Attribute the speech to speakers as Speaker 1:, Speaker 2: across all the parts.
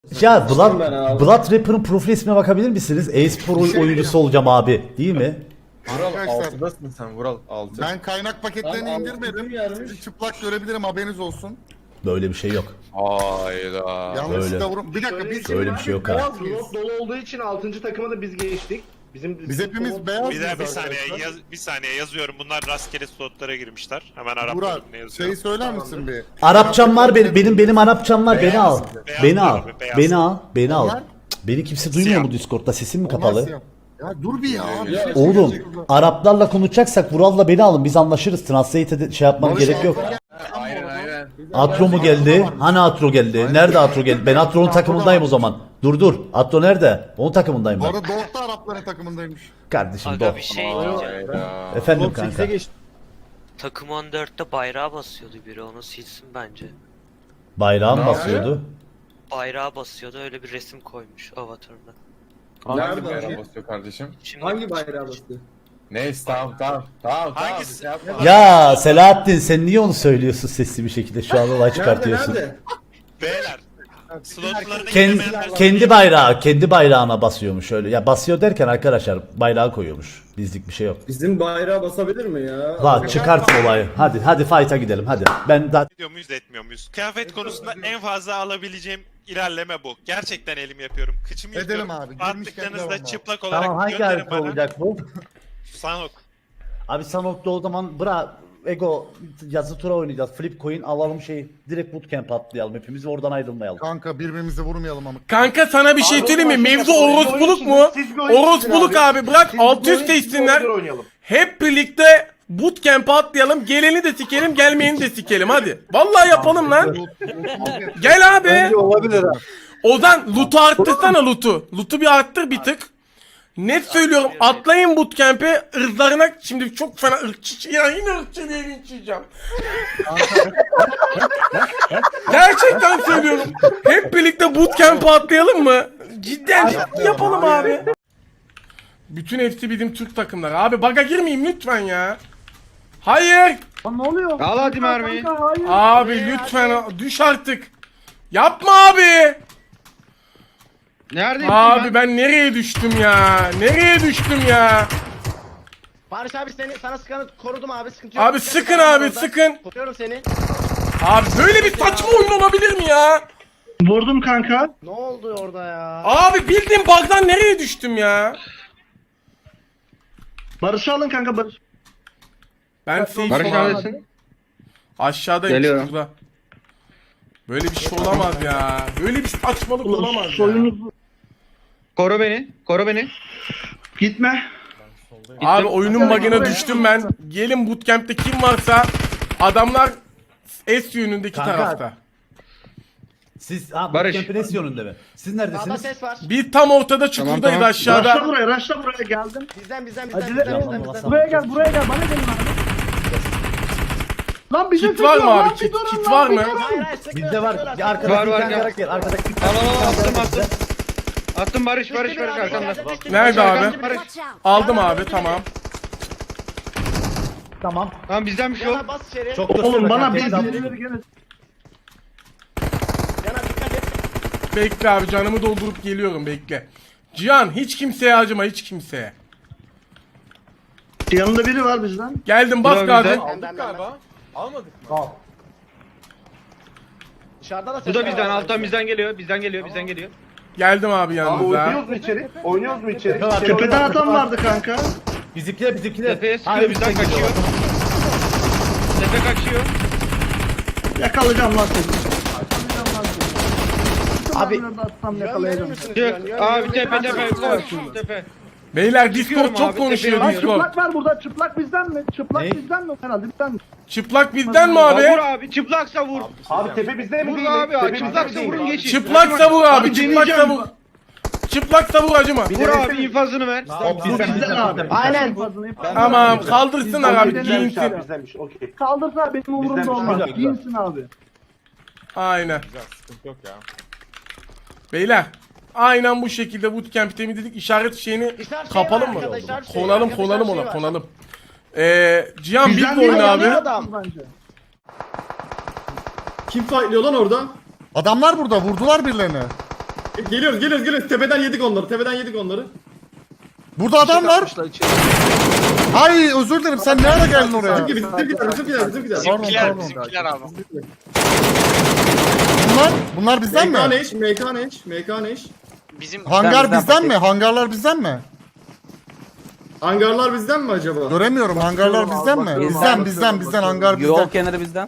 Speaker 1: Ya Blood Rapper'ın profil ismine bakabilir misiniz? E-spor oyuncusu olacağım abi. Değil mi?
Speaker 2: Vural
Speaker 3: Arkadaşlar,
Speaker 2: 6'dasın sen Vural 6.
Speaker 3: Ben kaynak paketlerini
Speaker 4: Lan
Speaker 3: indirmedim.
Speaker 4: altın yarmış.
Speaker 3: Sizi çıplak görebilirim, haberiniz olsun.
Speaker 1: Böyle bir şey yok.
Speaker 2: Hayda.
Speaker 3: Yanlışlıkla vurun. Bir dakika biz
Speaker 1: Öyle bir şey yok ha.
Speaker 4: Beyaz drop dolu olduğu için 6. takıma da biz geçtik.
Speaker 3: Biz hepimiz beyaz
Speaker 5: Bir daha bir
Speaker 3: mıyız
Speaker 5: saniye
Speaker 3: arkadaşlar?
Speaker 5: bir saniye yazıyorum. Bunlar rastgele slotlara girmişler. Hemen Arap
Speaker 3: Burak
Speaker 5: bölümüne yazıyorum.
Speaker 3: şey söyler misin bir?
Speaker 1: Arapçam var benim Arapçam var. Beni al.
Speaker 5: Beyaz
Speaker 1: Beni al.
Speaker 5: abi, beyaz.
Speaker 1: Beni al. Beni al.
Speaker 3: Onlar-
Speaker 1: Cık, Beni kimse duymuyor mu Discord'da? Sesim mi kapalı?
Speaker 3: Nasıl ya? Ya dur bir ya. bir şey
Speaker 1: Oğlum
Speaker 3: söyleyecek.
Speaker 1: Araplarla konuşacaksak Vural'la beni alın. Biz anlaşırız. Translate'e şey yapmam
Speaker 3: Barış
Speaker 1: gerek yok.
Speaker 3: Alper-
Speaker 2: Aynen aynen.
Speaker 1: Atro mu geldi? Hani Atro geldi? Nerede Atro geldi? Ben Atro'nun takımındayım o zaman. Dur. Atro nerede? Onun takımındayım
Speaker 3: Bu
Speaker 1: ben.
Speaker 3: arada Doğuk da Arapların takımındaymış.
Speaker 1: Kardeşim
Speaker 6: Aga
Speaker 1: doh.
Speaker 6: bir şey diyeceğim.
Speaker 2: Hayda.
Speaker 1: Efendim kanka.
Speaker 6: Takım 14'te bayrağı basıyordu biri, onu silsin bence.
Speaker 1: Bayrağım basıyordu.
Speaker 6: Bayrağı basıyordu, öyle bir resim koymuş avatarına.
Speaker 2: Hangi bayrağı basıyor kardeşim?
Speaker 6: Şimdi
Speaker 4: Hangi bayrağı bastı?
Speaker 2: Neyse tamam.
Speaker 5: Hangisi?
Speaker 2: Şey yapma.
Speaker 1: Ya Selahattin sen niye onu söylüyorsun sesli bir şekilde şu an olay çıkartıyorsun.
Speaker 4: Nerede?
Speaker 5: Beyler. Slotlarına
Speaker 1: Kendi bayrağına basıyormuş öyle. Ya basıyor derken arkadaşlar bayrağı koyuyormuş. Bizlik bir şey yok.
Speaker 4: Bizim bayrağı basabilir mi ya?
Speaker 1: La çıkartın olayı. Hadi fight'a gidelim hadi. Ben daha
Speaker 5: ediyor muyuz etmiyor muyuz? Kıyafet konusunda en fazla alabileceğim ilerleme bu. Gerçekten elim yapıyorum. Kıçımı
Speaker 3: Edelim
Speaker 5: yıkıyorum.
Speaker 3: abi, girmişken
Speaker 5: Attıklarınızda
Speaker 3: devam abi.
Speaker 5: çıplak olarak
Speaker 1: Tamam hangi
Speaker 5: gönderin
Speaker 1: harita
Speaker 5: bana.
Speaker 1: olacak bu?
Speaker 5: Sanok.
Speaker 1: Abi Sanok'ta o zaman Ego yazı tura oynayacağız. Flip coin alalım direkt bootcamp atlayalım hepimiz oradan ayrılmayalım.
Speaker 3: Kanka birbirimizi vurmayalım ama.
Speaker 7: Kanka sana bir şey söyleyeyim mi? Mevzu orospuluk mu? Orospuluk abi bırak alt üst değişsinler. Hep birlikte bootcamp'e atlayalım. Geleni de sikelim, gelmeyeni de sikelim hadi. Vallahi yapalım lan. Gel abi.
Speaker 4: Olabilir ha.
Speaker 7: Ozan loot'u arttırsana loot'u. Loot'u bir arttır bir tık. Net söylüyorum atlayın bootcamp'e ırzlarına şimdi çok fena ırkçı ya yine ırkçı diye linçleyeceğim. Gerçekten söylüyorum. Hep birlikte bootcamp'e atlayalım mı? Cidden yapalım abi. Bütün hepsi bizim Türk takımları. Abi baga girmeyeyim lütfen ya. Hayır.
Speaker 4: Al hadi mermiyi.
Speaker 7: Abi lütfen düş artık. Yapma abi.
Speaker 4: Neredeyim
Speaker 7: Abi ben nereye düştüm ya? Nereye düştüm ya?
Speaker 8: Barış abi sana sıkanı korudum abi, sıkıntı yok.
Speaker 7: Abi sıkın abi sıkın.
Speaker 8: Koruyorum seni.
Speaker 7: Abi böyle bir saçma oyun olabilir mi ya?
Speaker 4: Vurdum kanka.
Speaker 8: Ne oldu orada ya?
Speaker 7: Abi bildiğin bug'dan nereye düştüm ya?
Speaker 4: Barış'ı alın kanka Barış.
Speaker 7: Ben safe
Speaker 4: Barış
Speaker 7: olan-
Speaker 4: neredesin?
Speaker 7: Aşağıdayım
Speaker 4: Geliyorum.
Speaker 7: şurada. Böyle bir şey olamaz ya. Böyle bir saçmalık olamaz ya.
Speaker 4: Soyunuzu.
Speaker 9: Koru beni, koru beni.
Speaker 4: Gitme.
Speaker 7: Abi oyunun bug'ına düştüm ben. Gelin bootcamp'te kim varsa adamlar S yönündeki
Speaker 1: Kanka.
Speaker 7: tarafta.
Speaker 1: Siz
Speaker 9: Barış.
Speaker 1: bootcamp'in S yönünde mi? Siz
Speaker 8: Sağda
Speaker 1: neredesiniz?
Speaker 8: ses var.
Speaker 7: Bir tam ortada çukurdayız
Speaker 9: tamam.
Speaker 7: aşağıda.
Speaker 4: Raşla buraya geldim.
Speaker 8: Bizden
Speaker 4: Acele
Speaker 1: Canım,
Speaker 8: bizden.
Speaker 1: Allah
Speaker 4: Buraya gel bana gelin abi. Lan bize
Speaker 7: Kit var mı abi? Kit var mı?
Speaker 8: Hayır hayır sıkmıyor.
Speaker 1: Bizde var. Ya
Speaker 9: Var,
Speaker 1: arkadaki
Speaker 9: var,
Speaker 1: bir tane
Speaker 9: gel.
Speaker 1: karakter. Arkadaki bir
Speaker 9: Al
Speaker 1: tane
Speaker 9: al al attım
Speaker 1: karakter.
Speaker 9: attım. Attım Barış arkanda.
Speaker 7: Nerede abi?
Speaker 9: Barış.
Speaker 7: Aldım abi tamam.
Speaker 1: Tamam.
Speaker 9: Tamam bizden bir şey yok.
Speaker 8: Yana bas içeri.
Speaker 1: Çok
Speaker 4: Oğlum bana
Speaker 1: kanka,
Speaker 4: bir
Speaker 1: hesap-
Speaker 4: birileri gene.
Speaker 8: Yana dikkat et.
Speaker 7: Bekle abi canımı doldurup geliyorum bekle. Cihan hiç kimseye acıma hiç kimseye.
Speaker 4: Yanında biri var bizden.
Speaker 7: Geldim bas
Speaker 9: Bravo,
Speaker 7: gazi.
Speaker 9: güzel.
Speaker 5: Aldık galiba. Almadık mı?
Speaker 8: Dışarıda da ses
Speaker 9: Bu da
Speaker 8: var.
Speaker 9: bizden alttan bizden geliyor. Bizden geliyor.
Speaker 7: Geldim abi yanınıza.
Speaker 4: mu içeri? Oynuyoruz mu içeri? Tepeden adam vardı kanka.
Speaker 1: Bizimkiler.
Speaker 9: Tepeye sıkıyor
Speaker 1: Hayır,
Speaker 9: bizden
Speaker 1: bizden
Speaker 9: kaçıyor. Tepe kaçıyor.
Speaker 4: Yakalayacağım lan seni. Abi
Speaker 8: Yakalayacağım.
Speaker 9: Çık. Abi tepe koş. Tepe.
Speaker 7: Beyler
Speaker 9: Çıkıyorum
Speaker 7: Discord çok
Speaker 9: abi,
Speaker 7: konuşuyor
Speaker 9: tepeye
Speaker 7: Discord.
Speaker 4: çıplak var burada. Çıplak bizden mi? Çıplak
Speaker 1: Ne?
Speaker 4: bizden mi? Herhalde bizden mi?
Speaker 7: Çıplak bizden mi
Speaker 9: Vur
Speaker 7: abi?
Speaker 9: abi çıplaksa vur.
Speaker 4: Abi tepe bizde
Speaker 9: Vur abi çıplaksa vurun geçin.
Speaker 7: Çıplaksa vur abi,
Speaker 4: Abi
Speaker 7: çıplaksa
Speaker 4: deneyeceğim.
Speaker 7: vur. Çıplaksa vur acıma.
Speaker 9: Vur abi infazını ver.
Speaker 4: Bu bizden abi.
Speaker 8: Aynen.
Speaker 7: Tamam kaldırsınlar abi giyinsin.
Speaker 4: Bizdenmiş. Okey. Kaldırsa benim umurumda olmaz. Giyinsin abi.
Speaker 7: Aynen.
Speaker 2: Güzel sıkıntı yok ya.
Speaker 7: Beyler. Aynen bu şekilde bootcamp temizledik. İşaret şeyini
Speaker 8: İşaret şey
Speaker 7: kapalım
Speaker 8: var
Speaker 7: mı?
Speaker 8: arkada, işaret şey var.
Speaker 7: Konalım
Speaker 8: Arkada
Speaker 7: konalım
Speaker 8: işaret
Speaker 7: ona
Speaker 8: şey var.
Speaker 7: konalım. Cihan
Speaker 4: Bizden
Speaker 7: bir
Speaker 4: değil,
Speaker 7: oyna abi.
Speaker 8: Adam.
Speaker 4: Bence.
Speaker 3: Adamlar burada, vurdular birilerini.
Speaker 9: Geliyoruz. Tepeden yedik onları.
Speaker 3: Burada adam var. Ay özür dilerim sen ne ara geldin oraya?
Speaker 9: Bizimkiler.
Speaker 8: Bizimkiler abi.
Speaker 3: Bunlar bizden mi?
Speaker 9: MKNH.
Speaker 8: Bizim
Speaker 3: Hangar bizden mi? Hangarlar bizden mi?
Speaker 9: Hangarlar bizden mi acaba?
Speaker 3: Göremiyorum hangarlar bizden mi? Bizden hangar bizden.
Speaker 10: Yol kenarı bizden.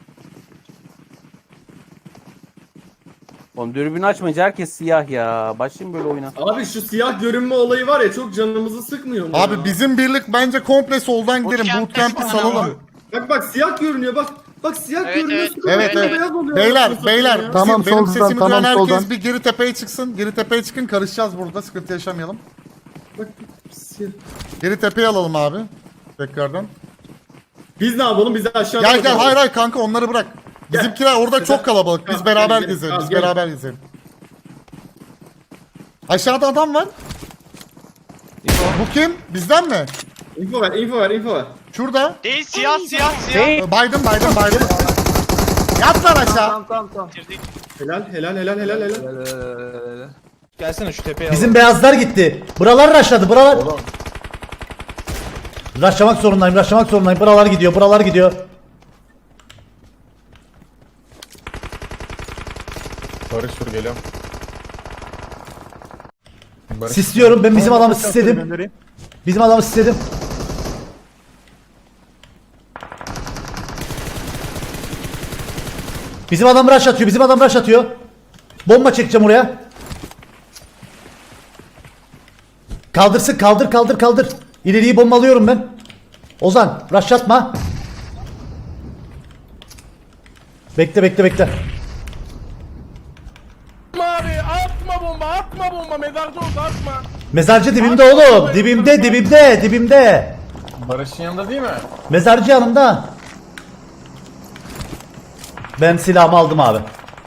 Speaker 10: Oğlum dürbünü açmayınca herkes siyah ya. Başlayayım böyle oyuna.
Speaker 9: Abi şu siyah görünme olayı var ya çok canımızı sıkmıyor mu?
Speaker 3: Abi bizim birlik bence komple soldan gidelim. Bootcamp'i salalım.
Speaker 9: Bak siyah görünüyor bak. Bak siyah görünüyor.
Speaker 3: Evet.
Speaker 9: Beyaz oluyor.
Speaker 3: Beyler
Speaker 4: Tamam,
Speaker 3: benim
Speaker 4: soldan,
Speaker 3: sesimi
Speaker 4: tamam,
Speaker 3: duyan herkes
Speaker 4: soldan.
Speaker 3: bir geri tepeye çıksın. Geri tepeye çıkın karışacağız burada sıkıntı yaşamayalım.
Speaker 9: Bak siyah.
Speaker 3: Geri tepeye alalım abi. Tekrardan.
Speaker 9: Biz ne yapalım? Biz de aşağıda.
Speaker 3: Gel hayır kanka onları bırak. Bizimkiler orada çok kalabalık. Biz beraber gezelim. Biz beraber gezelim. Aşağıda adam var. Bu kim? Bizden mi?
Speaker 9: Info ver.
Speaker 3: Şurada.
Speaker 8: değil siyah.
Speaker 3: Baydım. Yat lan aşağı.
Speaker 9: Helal.
Speaker 2: Gelsene şu tepeye
Speaker 1: Bizim beyazlar gitti. Buralar rushladı. Buralar. Rushlamak zorundayım. Buralar gidiyor.
Speaker 2: Barış dur geliyorum. Barış.
Speaker 1: Sisliyorum. Ben bizim adamı sisledim. Bizim adam rush atıyor. Bomba çekeceğim oraya. Kaldırsın. Kaldır. İleriyi bombalıyorum ben. Ozan rush atma. Bekle.
Speaker 7: Abi atma bomba mezarcı oldu atma.
Speaker 1: Mezarcı dibimde oğlum. Dibimde.
Speaker 2: Barış'ın yanında değil mi?
Speaker 1: Mezarcı yanımda. Ben silahımı aldım abi.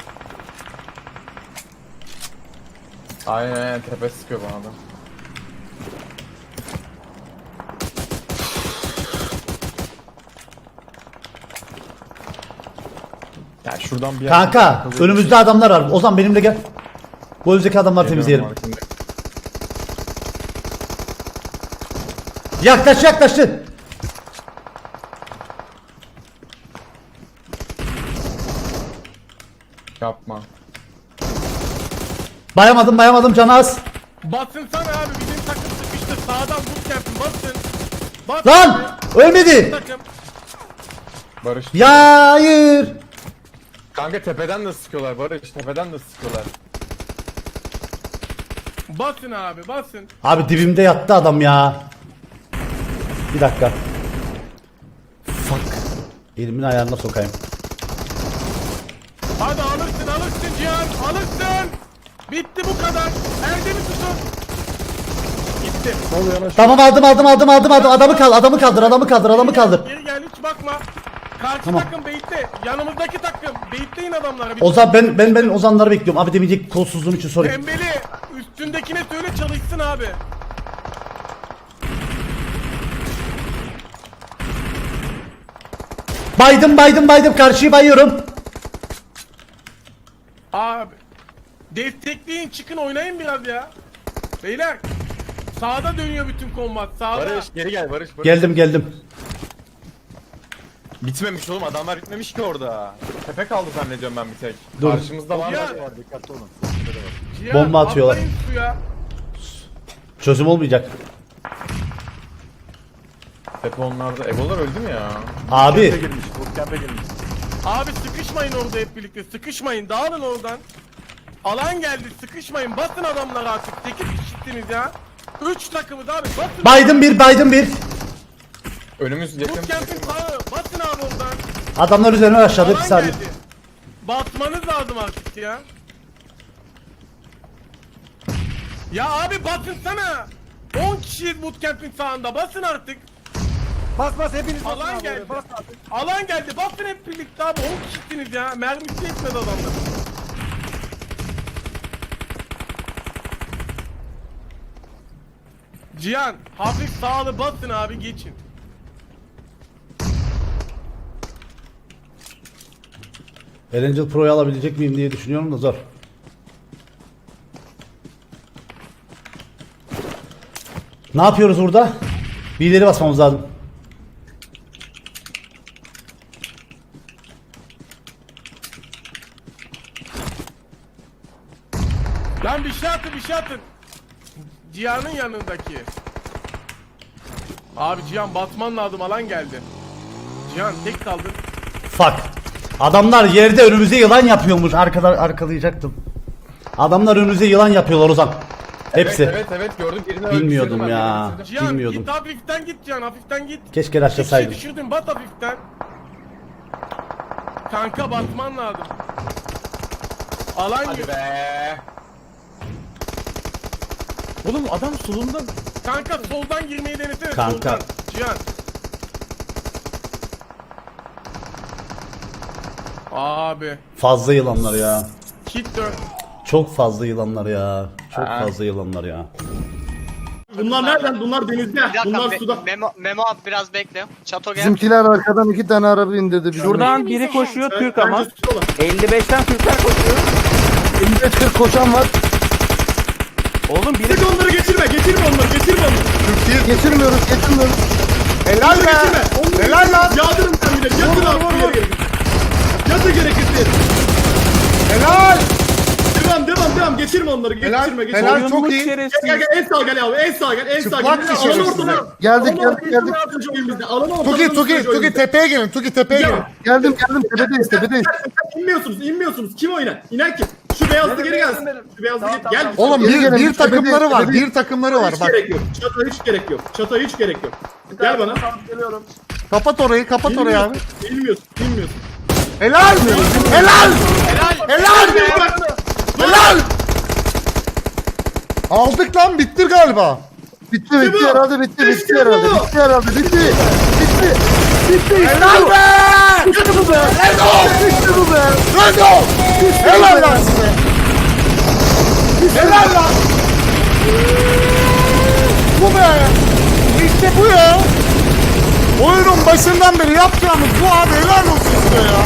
Speaker 2: Aynen tepe sıkıyor bana da. Ya şuradan bir yer-
Speaker 1: Kanka önümüzde adamlar var. Ozan benimle gel. Bu önümüzdeki adamları temizleyelim. Yaklaştı.
Speaker 2: Yapma.
Speaker 1: Bayamadım canı az.
Speaker 7: Basın sana abi bizim takım sıkıştı. Sağdan bootcamp'in basın. Bas.
Speaker 1: Lan ölmedi.
Speaker 7: Takım.
Speaker 2: Barış.
Speaker 1: Ya hayır.
Speaker 2: Kanka tepeden de sıkıyorlar Barış. Tepeden de sıkıyorlar.
Speaker 7: Basın abi basın.
Speaker 1: Abi dibimde yattı adam ya. Bir dakika. Fuck. Elimin ayarına sokayım.
Speaker 7: Hadi alırsın Cihan alırsın. Bitti bu kadar. Erdem'i tutun. Gitti.
Speaker 1: Tamam aldım. Adamı kaldır.
Speaker 7: Geri gel hiç bakma. Karşı
Speaker 1: Tamam.
Speaker 7: takım beyitli. Yanımızdaki takım. Beyitleyin adamları.
Speaker 1: Ozan ben Ozanları bekliyorum. Abi demeyecek kolsuzluğum için sorry.
Speaker 7: Pembeli. Üstündekine söyle çalışsın abi.
Speaker 1: Baydım. Karşıyı bayıyorum.
Speaker 7: Abi. Destekleyin çıkın oynayın biraz ya. Beyler. Sağda dönüyor bütün kombat. Sağda.
Speaker 2: Barış geri gel Barış.
Speaker 1: Geldim.
Speaker 2: Bitmemiş oğlum adamlar bitmemiş ki orada. Tepe kaldı zannediyorum ben bir tek.
Speaker 1: Dur.
Speaker 2: Karşımızda var.
Speaker 7: Ya.
Speaker 2: Var dikkatli olun.
Speaker 7: Cihan,
Speaker 1: Bomba atıyorlar.
Speaker 7: atlayın suya.
Speaker 1: Çözüm olmayacak.
Speaker 2: Tepe onlarda. Egolar öldü mü ya?
Speaker 1: Abi.
Speaker 7: Abi sıkışmayın orada hep birlikte. Sıkışmayın. Dağılın oradan. Alan geldi. Sıkışmayın. Basın adamları artık. 8 kişisiniz ya. 3 takımız abi. Basın.
Speaker 1: Baydım bir.
Speaker 2: Önümüz yakın.
Speaker 7: Bootcamp'in sağı. Basın abi oradan.
Speaker 1: Adamlar üzerine aşağıda bir
Speaker 7: Alan
Speaker 1: saniye.
Speaker 7: geldi. Basmanız lazım artık ya. Ya abi basın sana. 10 kişiyiz bootcamp'in sağında. Basın artık.
Speaker 4: Bas hepiniz
Speaker 7: Alan geldi. Alan geldi. Basın hep birlikte abi. 10 kişisiniz ya. Mermisi yetmedi adamlar. Cihan hafif sağlı basın abi geçin.
Speaker 1: Erangel Pro'yu alabilecek miyim diye düşünüyorum da zor. Ne yapıyoruz burada? Bir ileri basmamız lazım.
Speaker 7: Lan bir şey atın, bir şey atın. Cihan'ın yanındaki. Abi Cihan batman lazım, alan geldi. Cihan tek kaldın.
Speaker 1: Fuck. Adamlar yerde önümüze yılan yapıyormuş. Arkalayacaktım. Adamlar önümüze yılan yapıyorlar Ozan. Hepsi.
Speaker 2: Evet gördüm. Birini
Speaker 1: Bilmiyordum
Speaker 2: öldürdüm ben,
Speaker 1: ya.
Speaker 2: birini
Speaker 7: Cihan
Speaker 1: Bilmiyordum.
Speaker 7: git hafiften git Cihan, hafiften git.
Speaker 1: Keşke
Speaker 7: Bir şey
Speaker 1: raşlasaydım.
Speaker 7: düşürdün, bat hafiften. Kanka batman lazım. Alan
Speaker 2: Hadi
Speaker 7: yok.
Speaker 2: be. Oğlum adam solunda.
Speaker 7: Kanka soldan girmeyi denesene,
Speaker 1: Kanka.
Speaker 7: soldan. Cihan. Abi.
Speaker 1: Fazla yılanlar ya.
Speaker 7: Hit dön.
Speaker 1: Çok fazla yılanlar ya. Çok fazla yılanlar ya.
Speaker 9: Bunlar nereden? Bunlar denizde. Bunlar suda.
Speaker 6: Memo abi biraz bekle. Çato gel.
Speaker 4: Bizimkiler arkadan 2 tane araba indirdi.
Speaker 10: Şuradan biri koşuyor Türk ama.
Speaker 9: Bence sudalar.
Speaker 10: 55'ten Türkler koşuyor.
Speaker 4: 55-40 koşan var.
Speaker 10: Oğlum biri
Speaker 9: Sık onları geçirme onları.
Speaker 4: Geçirmiyoruz.
Speaker 3: Helal be.
Speaker 9: Onları
Speaker 3: Helal lan.
Speaker 9: yağdırın sen bir de. Yatın abi bir yere. Yatın gerekirse.
Speaker 3: Helal.
Speaker 9: Devam. Geçirme onları.
Speaker 3: Helal.
Speaker 9: Geçirme.
Speaker 3: Helal
Speaker 10: oyunmuş
Speaker 3: çok iyi.
Speaker 10: şerefsiz.
Speaker 9: Gel en sağa gel abi. En sağa gel.
Speaker 3: Çıplak
Speaker 9: Alanı
Speaker 3: kişi
Speaker 9: ortana.
Speaker 4: Geldik.
Speaker 3: Tuki tepeye gelin. Tuki tepeye gelin.
Speaker 4: Geldim. Tepedeyiz.
Speaker 9: İnmiyorsunuz. Kim oynar? İnen kim? Şu beyazlı geri gelsin. Şu beyazlı gel.
Speaker 3: Oğlum
Speaker 4: Geri gelelim,
Speaker 3: bir takımları var.
Speaker 4: tepede.
Speaker 3: Bir takımları var
Speaker 9: Hiç
Speaker 3: bak.
Speaker 9: gerek yok. Çata hiç gerek yok. Gel bana.
Speaker 3: Kapat orayı abi.
Speaker 9: Bilmiyorsun.
Speaker 3: Helal. Aldık lan, bitti galiba.
Speaker 4: Bitti herhalde. Bitti
Speaker 3: Helal be!
Speaker 4: İşte bu be.
Speaker 3: Rendo! Helal lan size. Helal lan. Bu be. İşte bu ya. Oyunun başından beri yapacağımız bu abi, helal olsun size ya.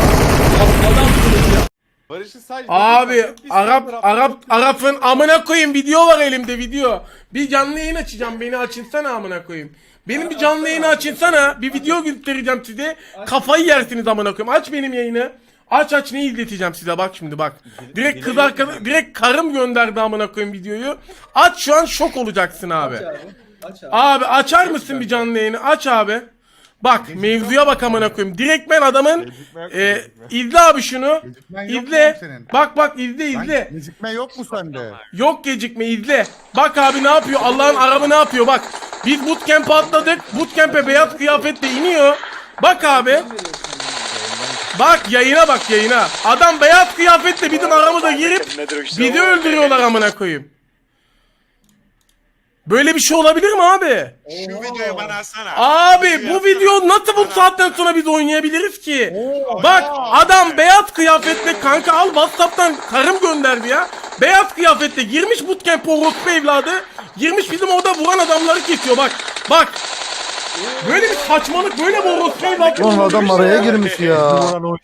Speaker 2: Barış'ın sadece...
Speaker 7: Abi Arap'ın amına koyayım, video var elimde, video. Bir canlı yayın açacağım, beni açınsana amına koyayım. Benim bir canlı yayını açınsana, bir video göstereceğim size. Kafayı yersiniz amına koyayım. Aç benim yayını. Aç ne izleteceğim size, bak şimdi bak. Direkt kız arkadaş, direkt karım gönderdi amına koyayım videoyu. Aç, şu an şok olacaksın abi. Abi açar mısın bir canlı yayını? Aç abi. Bak mevzuya bak amına koyayım. Direkt ben adamın izle abi şunu.
Speaker 3: Gecikmen yok mu
Speaker 7: İzle.
Speaker 3: senin?
Speaker 7: Bak izle.
Speaker 3: Gecikme yok mu sende?
Speaker 7: Yok gecikme, izle. Bak abi ne yapıyor? Allah'ın arabı ne yapıyor? Bak. Biz bootcamp'e atladık. Bootcamp'e beyaz kıyafetle iniyor. Bak abi. Bak yayına. Adam beyaz kıyafetle bizim aramıza girip bizi öldürüyorlar amına koyayım. Böyle bir şey olabilir mi abi?
Speaker 5: Şu videoyu bana atsana.
Speaker 7: Abi bu video nasıl bu saatten sonra biz oynayabiliriz ki? Bak adam beyaz kıyafetle, kanka al WhatsApp'tan, karım gönderdi ya. Beyaz kıyafetle girmiş bootcamp, orospu evladı. Girmiş bizim orada vuran adamları kesiyor bak. Bak. Böyle bir saçmalık, böyle bir orospu evladı.
Speaker 4: Oğlum adam araya girmiş ya.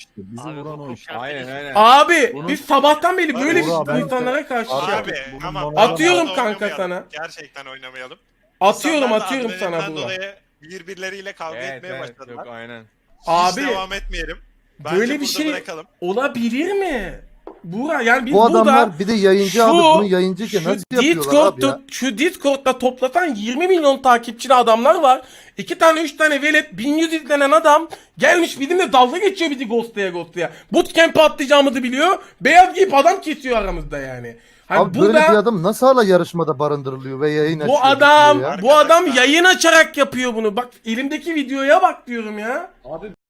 Speaker 2: Aynen.
Speaker 7: Abi biz sabahtan beri böyle bir insanlara karşı şey
Speaker 5: Abi
Speaker 7: yapıyoruz.
Speaker 5: ama
Speaker 7: Atıyorum
Speaker 5: fazla
Speaker 7: kanka
Speaker 5: oynamayalım.
Speaker 7: sana.
Speaker 5: Gerçekten oynamayalım.
Speaker 7: Atıyorum
Speaker 5: İnsanlar da
Speaker 7: sana
Speaker 5: adrenalinden
Speaker 7: bunu.
Speaker 5: dolayı birbirleriyle kavga etmeye başladılar.
Speaker 2: Yok aynen.
Speaker 5: Hiç
Speaker 7: Abi
Speaker 5: devam etmeyelim. Bence
Speaker 7: böyle bir
Speaker 5: burada
Speaker 7: şey
Speaker 5: bırakalım.
Speaker 7: olabilir mi? Buğra yani biz
Speaker 4: Bu
Speaker 7: burada
Speaker 4: adamlar bir de yayıncı abi. Bunu yayıncıyken nasıl yapıyorlar abi ya?
Speaker 7: Şu Discord'da toplasan 20 milyon takipçili adamlar var. 2 tane 3 tane velet 1100 izlenen adam gelmiş bizimle dalga geçiyor, bizi ghostlaya. Bootcamp'e atlayacağımızı biliyor. Beyaz giyip adam kesiyor aramızda yani. Hani
Speaker 4: Abi böyle bir adam nasıl hala yarışmada barındırılıyor ve yayın açıyor?
Speaker 7: bu adam yayın açarak yapıyor bunu. Bak elimdeki videoya bak diyorum ya.